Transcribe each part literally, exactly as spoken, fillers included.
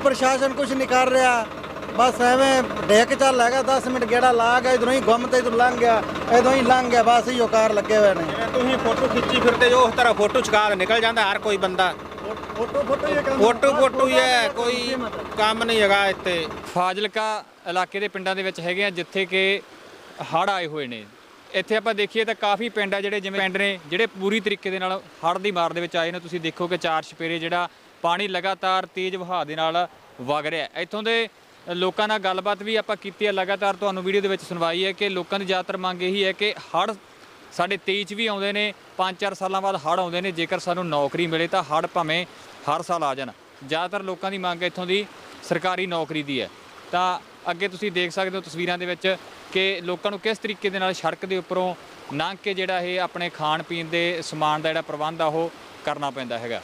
ਪ੍ਰਸ਼ਾਸਨ ਕੁਝ ਨਹੀਂ ਕਰ ਰਿਹਾ। ਬਸ ਐਵੇਂ ਡੇਕ ਚੱਲ ਹੈਗਾ, ਦਸ ਮਿੰਟ ਗੇੜਾ ਲਾ ਗਿਆ, ਇਧਰੋਂ ਹੀ ਗੁੰਮ ਤੇ ਇਧਰ ਲੰਘ ਗਿਆ, ਇਧਰੋਂ ਹੀ ਲੰਘ ਗਿਆ, ਬਸ ਇਹੋ ਕਾਰ ਲੱਗੇ ਹੋਏ ਨੇ। ਤੁਸੀਂ ਫੋਟੋ ਖਿੱਚੀ ਫਿਰਦੇ ਜੋ ਉਸ ਤਰ੍ਹਾਂ ਫੋਟੋ ਚੁਕਾ ਨਿਕਲ ਜਾਂਦਾ ਹਰ ਕੋਈ ਬੰਦਾ। ਫੋਟੋ ਫੋਟੋ ਹੀ ਕੰਮ ਫੋਟੋ ਫੋਟੋ ਹੀ ਹੈ, ਕੋਈ ਕੰਮ ਨਹੀਂ ਹੈਗਾ ਇੱਥੇ। ਫਾਜ਼ਿਲਕਾ ਇਲਾਕੇ ਦੇ ਪਿੰਡਾਂ ਦੇ ਵਿੱਚ ਹੈਗੇ ਆ ਜਿੱਥੇ ਕਿ ਹੜ੍ਹ ਆਏ ਹੋਏ ਨੇ। ਇੱਥੇ ਆਪਾਂ ਦੇਖੀਏ ਤਾਂ ਕਾਫੀ ਪਿੰਡ ਆ ਜਿਹੜੇ ਜਿਵੇਂ ਪਿੰਡ ਨੇ ਜਿਹੜੇ ਪੂਰੀ ਤਰੀਕੇ ਦੇ ਨਾਲ ਹੜ੍ਹ ਦੀ ਮਾਰ ਦੇ ਵਿੱਚ ਆਏ ਨੇ। ਤੁਸੀਂ ਦੇਖੋ ਕਿ ਚਾਰ ਛਪੇਰੇ ਜਿਹੜਾ ਪਾਣੀ ਲਗਾਤਾਰ ਤੇਜ਼ ਵਹਾਅ ਦੇ ਨਾਲ ਵਗ ਰਿਹਾ। ਇੱਥੋਂ ਦੇ ਲੋਕਾਂ ਨਾਲ ਗੱਲਬਾਤ ਵੀ ਆਪਾਂ ਕੀਤੀ ਹੈ, ਲਗਾਤਾਰ ਤੁਹਾਨੂੰ ਵੀਡੀਓ ਦੇ ਵਿੱਚ ਸੁਣਵਾਈ ਹੈ ਕਿ ਲੋਕਾਂ ਦੀ ਜ਼ਿਆਦਾਤਰ ਮੰਗ ਇਹੀ ਹੈ ਕਿ ਹੜ੍ਹ ਸਾਡੇ ਤੇਈ 'ਚ ਵੀ ਆਉਂਦੇ ਨੇ, ਪੰਜ ਚਾਰ ਸਾਲਾਂ ਬਾਅਦ ਹੜ੍ਹ ਆਉਂਦੇ ਨੇ, ਜੇਕਰ ਸਾਨੂੰ ਨੌਕਰੀ ਮਿਲੇ ਤਾਂ ਹੜ੍ਹ ਭਾਵੇਂ ਹਰ ਸਾਲ ਆ ਜਾਣ। ਜ਼ਿਆਦਾਤਰ ਲੋਕਾਂ ਦੀ ਮੰਗ ਇੱਥੋਂ ਦੀ ਸਰਕਾਰੀ ਨੌਕਰੀ ਦੀ ਹੈ। ਤਾਂ ਅੱਗੇ ਤੁਸੀਂ ਦੇਖ ਸਕਦੇ ਹੋ ਤਸਵੀਰਾਂ ਦੇ ਵਿੱਚ ਕਿ ਲੋਕਾਂ ਨੂੰ ਕਿਸ ਤਰੀਕੇ ਦੇ ਨਾਲ ਸੜਕ ਦੇ ਉੱਪਰੋਂ ਲੰਘ ਕੇ ਜਿਹੜਾ ਇਹ ਆਪਣੇ ਖਾਣ ਪੀਣ ਦੇ ਸਮਾਨ ਦਾ ਜਿਹੜਾ ਪ੍ਰਬੰਧ ਆ ਉਹ ਕਰਨਾ ਪੈਂਦਾ ਹੈਗਾ।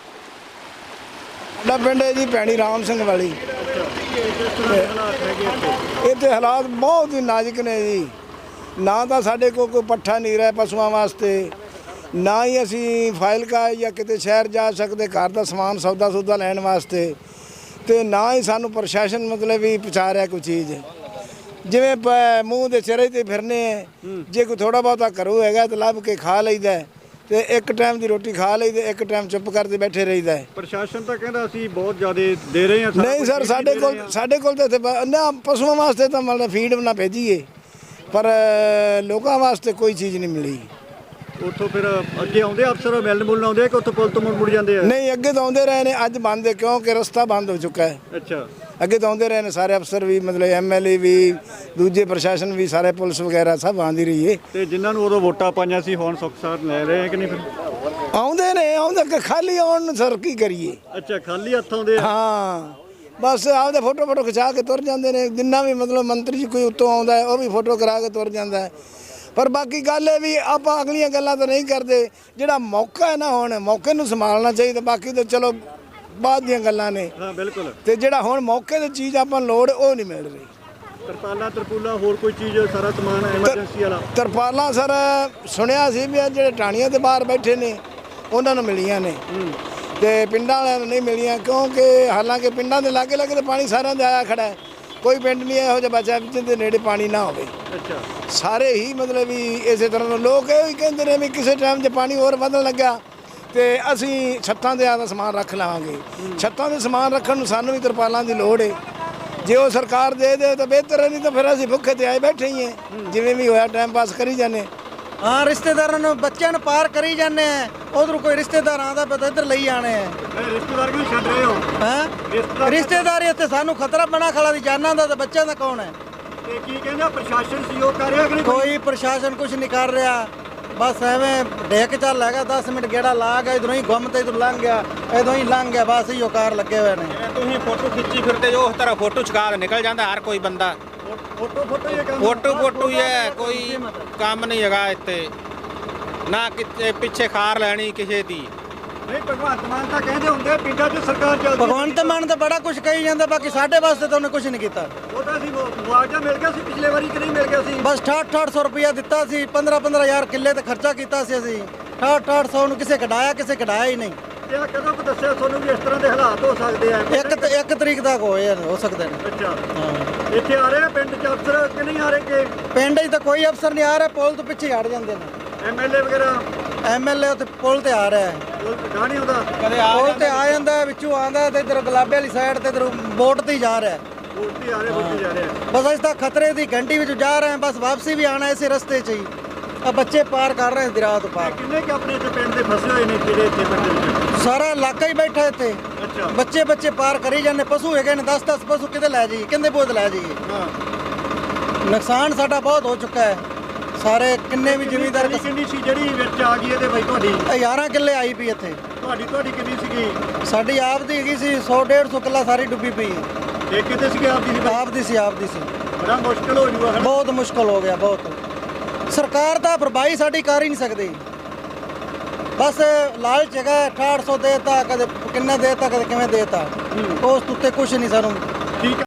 ਸਾਡਾ ਪਿੰਡ ਹੈ ਜੀ ਭੈਣੀ ਰਾਮ ਸਿੰਘ ਵਾਲੀ। ਇੱਥੇ ਹਾਲਾਤ ਬਹੁਤ ਹੀ ਨਾਜ਼ੁਕ ਨੇ ਜੀ। ਨਾ ਤਾਂ ਸਾਡੇ ਕੋਲ ਕੋਈ ਪੱਠਾ ਨਹੀਂ ਰਿਹਾ ਪਸ਼ੂਆਂ ਵਾਸਤੇ, ਨਾ ਹੀ ਅਸੀਂ ਫਾਜ਼ਿਲਕਾ ਜਾਂ ਕਿਤੇ ਸ਼ਹਿਰ ਜਾ ਸਕਦੇ ਘਰ ਦਾ ਸਮਾਨ ਸੌਦਾ ਸੌਦਾ ਲੈਣ ਵਾਸਤੇ, ਤੇ ਨਾ ਹੀ ਸਾਨੂੰ ਪ੍ਰਸ਼ਾਸਨ ਮਤਲਬ ਵੀ ਪਹੁੰਚਾ ਰਿਹਾ ਕੋਈ ਚੀਜ਼। ਜਿਵੇਂ ਮੂੰਹ ਦੇ ਚਿਹਰੇ ਤੇ ਫਿਰਨੇ ਹੈ, ਜੇ ਕੋਈ ਥੋੜਾ ਬਹੁਤਾ ਘਰੋਂ ਹੈਗਾ ਤਾਂ ਲੱਭ ਕੇ ਖਾ ਲਈਦਾ, ਤੇ ਇੱਕ ਟਾਈਮ ਦੀ ਰੋਟੀ ਖਾ ਲਈ ਤੇ ਇੱਕ ਟਾਈਮ ਚੁੱਪ ਕਰਦੇ ਬੈਠੇ ਰਹੀਦਾ। ਪ੍ਰਸ਼ਾਸਨ ਤਾਂ ਕਹਿੰਦਾ ਅਸੀਂ ਬਹੁਤ ਜ਼ਿਆਦਾ ਦੇ ਰਹੇ ਹਾਂ। ਨਹੀਂ ਸਰ, ਸਾਡੇ ਕੋਲ ਸਾਡੇ ਕੋਲ ਤਾਂ ਇੱਥੇ ਨਾ ਪਸ਼ੂਆਂ ਵਾਸਤੇ ਤਾਂ ਮਤਲਬ ਫੀਡ ਨਾ ਭੇਜੀਏ, ਪਰ ਲੋਕਾਂ ਵਾਸਤੇ ਕੋਈ ਚੀਜ਼ ਨਹੀਂ ਮਿਲੀ। ਉੱਥੋਂ ਫਿਰ ਅੱਗੇ ਆਉਂਦੇ ਅਫਸਰ ਮਿਲਣ ਮੁਲਣ ਆਉਂਦੇ ਕਿ ਉੱਥੋਂ ਪੁਲ ਤੋਂ ਮੁੜ ਮੁੜ ਜਾਂਦੇ ਆ? ਨਹੀਂ, ਅੱਗੇ ਤਾਂ ਆਉਂਦੇ ਰਹੇ ਨੇ, ਅੱਜ ਬੰਦ ਹੈ ਕਿਉਂਕਿ ਰਸਤਾ ਬੰਦ ਹੋ ਚੁੱਕਾ ਹੈ। ਅੱਛਾ, ਅੱਗੇ ਤਾਂ ਆਉਂਦੇ ਰਹੇ ਨੇ ਸਾਰੇ ਅਫਸਰ ਵੀ, ਮਤਲਬ ਐਮ ਐਲ ਏ ਵੀ, ਦੂਜੇ ਪ੍ਰਸ਼ਾਸਨ ਵੀ, ਸਾਰੇ ਪੁਲਿਸ ਵਗੈਰਾ ਸਭ ਆਉਂਦੀ ਰਹੀ ਹੈ। ਤੇ ਜਿਨ੍ਹਾਂ ਨੂੰ ਉਦੋਂ ਵੋਟਾਂ ਪਾਈਆਂ ਸੀ ਹੁਣ ਸੁੱਖ ਸਾਰ ਲੈ ਰਹੇ ਆ ਕਿ ਨਹੀਂ? ਫਿਰ ਆਉਂਦੇ ਨੇ, ਆਉਂਦੇ ਕਿ ਖਾਲੀ ਆਉਣ ਨੂੰ ਸਰ ਕੀ ਕਰੀਏ। ਅੱਛਾ, ਖਾਲੀ ਹੱਥ ਆਉਂਦੇ ਆ? ਹਾਂ, ਬਸ ਆਪਦੇ ਫੋਟੋ ਫੋਟੋ ਖਿਚਾ ਕੇ ਤੁਰ ਜਾਂਦੇ ਨੇ। ਜਿੰਨਾ ਵੀ ਮਤਲਬ ਮੰਤਰੀ ਜੀ ਕੋਈ ਉੱਤੋਂ ਆਉਂਦਾ ਹੈ ਉਹ ਵੀ ਫੋਟੋ ਕਰਾ ਕੇ ਤੁਰ ਜਾਂਦਾ ਹੈ। ਪਰ ਬਾਕੀ ਗੱਲ ਇਹ ਵੀ ਆਪਾਂ ਅਗਲੀਆਂ ਗੱਲਾਂ ਤਾਂ ਨਹੀਂ ਕਰਦੇ। ਜਿਹੜਾ ਮੌਕਾ ਹੈ ਨਾ, ਹੁਣ ਮੌਕੇ ਨੂੰ ਸੰਭਾਲਣਾ ਚਾਹੀਦਾ। ਬਾਕੀ ਤਾਂ ਚਲੋ ਬਾਅਦ ਦੀਆਂ ਗੱਲਾਂ ਨੇ। ਹਾਂ ਬਿਲਕੁਲ। ਤੇ ਜਿਹੜਾ ਹੁਣ ਮੌਕੇ ਦੀ ਚੀਜ਼ ਆਪਾਂ ਨੂੰ ਲੋੜ ਉਹ ਨਹੀਂ ਮਿਲ ਰਹੀ। ਤਰਪਾਲਾਂ ਤਰਪੂਲਾਂ ਹੋਰ ਕੋਈ ਚੀਜ਼ ਸਾਰਾ ਸਮਾਨ ਐਮਰਜੈਂਸੀ ਵਾਲਾ? ਤਰਪਾਲਾਂ ਸਰ ਸੁਣਿਆ ਸੀ ਵੀ ਜਿਹੜੇ ਟਾਣੀਆਂ ਦੇ ਬਾਹਰ ਬੈਠੇ ਨੇ ਉਹਨਾਂ ਨੂੰ ਮਿਲੀਆਂ ਨੇ, ਤੇ ਪਿੰਡਾਂ ਵਾਲਿਆਂ ਨੂੰ ਨਹੀਂ ਮਿਲੀਆਂ, ਕਿਉਂਕਿ ਹਾਲਾਂਕਿ ਪਿੰਡਾਂ ਦੇ ਲਾਗੇ ਲਾਗੇ ਤਾਂ ਪਾਣੀ ਸਾਰਿਆਂ ਦੇ ਆਇਆ ਖੜਾ ਹੈ। ਕੋਈ ਪਿੰਡ ਨਹੀਂ ਇਹੋ ਜਿਹਾ ਬਚਿਆ ਜਿਹਦੇ ਨੇੜੇ ਪਾਣੀ ਨਾ ਹੋਵੇ। ਅੱਛਾ, ਸਾਰੇ ਹੀ ਮਤਲਬ ਵੀ ਇਸੇ ਤਰ੍ਹਾਂ ਲੋਕ ਇਹ ਵੀ ਕਹਿੰਦੇ ਨੇ ਵੀ ਕਿਸੇ ਟਾਈਮ 'ਚ ਪਾਣੀ ਹੋਰ ਵਧਣ ਲੱਗਾ ਤੇ ਅਸੀਂ ਛੱਤਾਂ ਦੇ ਆਦਾ ਸਮਾਨ ਰੱਖ ਲਵਾਂਗੇ। ਛੱਤਾਂ ਦੇ ਸਮਾਨ ਰੱਖਣ ਨੂੰ ਸਾਨੂੰ ਵੀ ਤਰਪਾਲਾਂ ਦੀ ਲੋੜ ਹੈ। ਜੇ ਉਹ ਸਰਕਾਰ ਦੇ ਦੇ ਤਾਂ ਬਿਹਤਰ ਹੈ, ਨਹੀਂ ਤਾਂ ਫਿਰ ਅਸੀਂ ਭੁੱਖੇ ਤੇ ਆਏ ਬੈਠੇ ਹੀ ਹਾਂ, ਜਿਵੇਂ ਵੀ ਹੋਇਆ ਟਾਈਮ ਪਾਸ ਕਰੀ ਜਾਂਦੇ। ਹਾਂ, ਰਿਸ਼ਤੇਦਾਰਾਂ ਨੂੰ ਬੱਚਿਆਂ ਨੂੰ ਪਾਰ ਕਰੀ ਜਾਂਦੇ ਆ। ਉਧਰ ਕੋਈ ਰਿਸ਼ਤੇਦਾਰ ਆਉਂਦਾ ਪਿਆ ਤਾਂ ਇੱਧਰ ਲਈ ਆਣੇ ਆ। ਰਿਸ਼ਤੇਦਾਰ ਕਿਉਂ ਛੱਡ ਰਹੇ ਹੋ? ਹਾਂ, ਰਿਸ਼ਤੇਦਾਰੀ ਇੱਥੇ ਸਾਨੂੰ ਖਤਰਾ ਬਣਾ ਖੜਾ ਦੀ ਜਾਨਾਂ ਦਾ, ਤੇ ਬੱਚਿਆਂ ਦਾ ਕੌਣ ਹੈ? ਤੇ ਕੀ ਕਹਿੰਦਾ ਪ੍ਰਸ਼ਾਸਨ ਸਹਿਯੋਗ ਕਰ ਰਿਹਾ ਕਿ ਨਹੀਂ? ਕੋਈ ਪ੍ਰਸ਼ਾਸਨ ਕੁਝ ਨਹੀਂ ਕਰ ਰਿਹਾ। ਬਸ ਐਵੇਂ ਡੇਕ ਚੱਲ ਹੈਗਾ, ਦਸ ਮਿੰਟ ਗੇੜਾ ਲਾ ਗਿਆ, ਇਧਰੋਂ ਹੀ ਗੁੰਮ ਤੇ ਇਧਰ ਲੰਘ ਗਿਆ, ਇਧਰੋਂ ਹੀ ਲੰਘ ਗਿਆ, ਬਸ ਇਹੋ ਕਾਰ ਲੱਗੇ ਹੋਏ ਨੇ। ਤੁਸੀਂ ਫੋਟੋ ਖਿੱਚੀ ਫਿਰਦੇ ਜੋ ਉਸ ਤਰ੍ਹਾਂ ਫੋਟੋ ਚੁਕਾ ਨਿਕਲ ਜਾਂਦਾ ਹਰ ਕੋਈ ਬੰਦਾ। ਫੋਟੋ ਫੋਟੋ ਹੀ ਕੰਮ? ਫੋਟੋ ਫੋਟੋ ਹੀ ਹੈ, ਕੋਈ ਕੰਮ ਨਹੀਂ ਹੈਗਾ ਇੱਥੇ। ਨਾ ਕਿਤੇ ਪਿੱਛੇ ਖਾਰ ਲੈਣੀ ਕਿਸੇ ਦੀ। ਨਹੀਂ, ਭਗਵੰਤ ਮਾਨ ਤਾਂ ਕਹਿੰਦੇ ਹੁੰਦੇ ਪਿੰਡਾਂ 'ਚ ਸਰਕਾਰ ਚੱਲਦੀ। ਭਗਵੰਤ ਮਾਨ ਤਾਂ ਬੜਾ ਕੁਝ ਕਹੀ ਜਾਂਦਾ, ਬਾਕੀ ਸਾਡੇ ਵਾਸਤੇ ਤਾਂ ਉਹਨੇ ਕੁਝ ਨਹੀਂ ਕੀਤਾ। ਉਹ ਤਾਂ ਅਸੀਂ ਮੁਆਵਜ਼ਾ ਮਿਲ ਗਿਆ ਸੀ ਪਿਛਲੇ ਵਾਰੀ ਕਿ ਨਹੀਂ ਮਿਲ ਗਿਆ ਸੀ? ਬਸ ਅਠਾਹਠ ਅਠਾਹਠ ਸੌ ਰੁਪਇਆ ਦਿੱਤਾ ਸੀ, ਪੰਦਰਾਂ ਪੰਦਰਾਂ ਹਜ਼ਾਰ ਕਿੱਲੇ ਤੇ ਖਰਚਾ ਕੀਤਾ ਸੀ ਅਸੀਂ। ਅਠਾਹਠ ਅਠਾਹਠ ਸੌ ਨੂੰ ਕਿਸੇ ਕਢਾਇਆ, ਕਿਸੇ ਕਢਾਇਆ ਹੀ ਨਹੀਂ। ਤੇ ਆ ਕਦੋਂ ਕੁ ਦੱਸਿਆ ਤੁਹਾਨੂੰ ਵੀ ਇਸ ਤਰ੍ਹਾਂ ਦੇ ਹਾਲਾਤ ਹੋ ਸਕਦੇ ਆ? ਇੱਕ ਤੇ ਇੱਕ ਤਰੀਕ ਤੱਕ ਹੋਏ ਆ, ਹੋ ਸਕਦੇ ਨੇ। ਅੱਛਾ, ਹਾਂ, ਇੱਥੇ ਆ ਰਹੇ ਆ ਪਿੰਡ 'ਚ ਅਫਸਰ ਕਿ ਨਹੀਂ ਆ ਰਹੇ? ਕਿ ਪਿੰਡ 'ਚ ਤਾਂ ਕੋਈ ਅਫਸਰ ਨਹੀਂ ਆ ਰਿਹਾ, ਪੁਲ ਤੋਂ ਪਿੱਛੇ ਹਟ ਜਾਂਦੇ ਨੇ। ਐਮਐਲਏ ਵਗੈਰਾ? ਐਮਐਲਏ ਉੱਥੇ ਪੁਲ ਤੇ ਆ ਰਿਹਾ ਹੈ। ਪੁਲ ਗਾਹ ਨਹੀਂ ਆਉਂਦਾ? ਕਦੇ ਪੁਲ ਤੇ ਆ ਜਾਂਦਾ, ਵਿੱਚੋਂ ਆਉਂਦਾ ਤੇ ਇਧਰ ਗੁਲਾਬੇ ਵਾਲੀ ਸਾਈਡ ਤੇ ਇਧਰ ਬੋਟ ਤੇ ਹੀ ਜਾ ਰਿਹਾ। ਬੋਲਤੀ ਆ ਰਹੇ ਬੋਲਤੀ ਜਾ ਰਹੇ ਆ। ਬਸ ਅਸੀਂ ਤਾਂ ਖਤਰੇ ਦੀ ਘੰਟੀ ਵਿੱਚ ਜਾ ਰਹੇ ਹਾਂ, ਬਸ ਵਾਪਸੀ ਵੀ ਆਣਾ ਇਸੇ ਰਸਤੇ 'ਚ ਹੀ। ਆ ਬੱਚੇ ਪਾਰ ਕਰ ਰਹੇ ਦਰਿਆ ਤੋਂ ਪਾਰ। ਕਿੰਨੇ ਕਿ ਆਪਣੇ ਇੱਥੇ ਪਿੰਡ ਦੇ ਫਸੇ ਹੋਏ ਨੇ ਜਿਹੜੇ ਇੱਥੇ ਪਿੰਡ ਦੇ ਵਿੱਚ? ਸਾਰਾ ਇਲਾਕਾ ਹੀ ਬੈਠਾ ਇੱਥੇ। ਅੱਛਾ, ਬੱਚੇ ਬੱਚੇ ਪਾਰ ਕਰੀ ਜਾਂਦੇ। ਪਸ਼ੂ ਹੈਗੇ ਨੇ ਦਸ ਦਸ ਪਸ਼ੂ, ਕਿਤੇ ਲੈ ਜਾਈਏ, ਕਿੰਨੇ ਬੋਝ ਲੈ ਜਾਈਏ। ਹਾਂ। ਨੁਕਸਾਨ ਸਾਡਾ ਬਹੁਤ ਹੋ ਚੁੱਕਾ ਹੈ। ਸਾਰੇ ਕਿੰਨੇ ਵੀ ਜ਼ਿਮੀਂਦਾਰ ਕਿੰਨੀ ਸੀ ਜਿਹੜੀ ਵਿੱਚ ਆ ਗਈ ਇਹਦੇ ਬਾਈ ਤੁਹਾਡੀ? ਗਿਆਰਾਂ ਕਿੱਲੇ ਆਈ ਪਈ ਇੱਥੇ। ਤੁਹਾਡੀ ਤੁਹਾਡੀ ਕਿੰਨੀ ਸੀਗੀ? ਸਾਡੀ ਆਪ ਦੀ ਹੈਗੀ ਸੀ, ਸੌ ਡੇਢ ਸੌ ਕਿੱਲਾ ਸਾਰੀ ਡੁੱਬੀ ਪਈ। ਇਹ ਕਿਤੇ ਸੀਗੀ ਆਪਦੀ ਸੀ? ਆਪ ਦੀ ਸੀ, ਆਪ ਦੀ ਸੀ। ਬੜਾ ਮੁਸ਼ਕਲ ਹੋ ਜੂਗਾ। ਬਹੁਤ ਮੁਸ਼ਕਲ ਹੋ ਗਿਆ, ਬਹੁਤ। ਸਰਕਾਰ ਤਾਂ ਭਰਪਾਈ ਸਾਡੀ ਕਰ ਹੀ ਨਹੀਂ ਸਕਦੀ। ਬਸ ਲਾਲਚ ਹੈਗਾ, ਅਠਾਹਠ ਸੌ ਦੇਤਾ, ਕਦੇ ਕਿੰਨੇ ਦੇਤਾ, ਕਦੇ ਕਿਵੇਂ ਦੇਤਾ। ਉਸ ਉੱਤੇ ਕੁਝ ਨਹੀਂ ਸਾਨੂੰ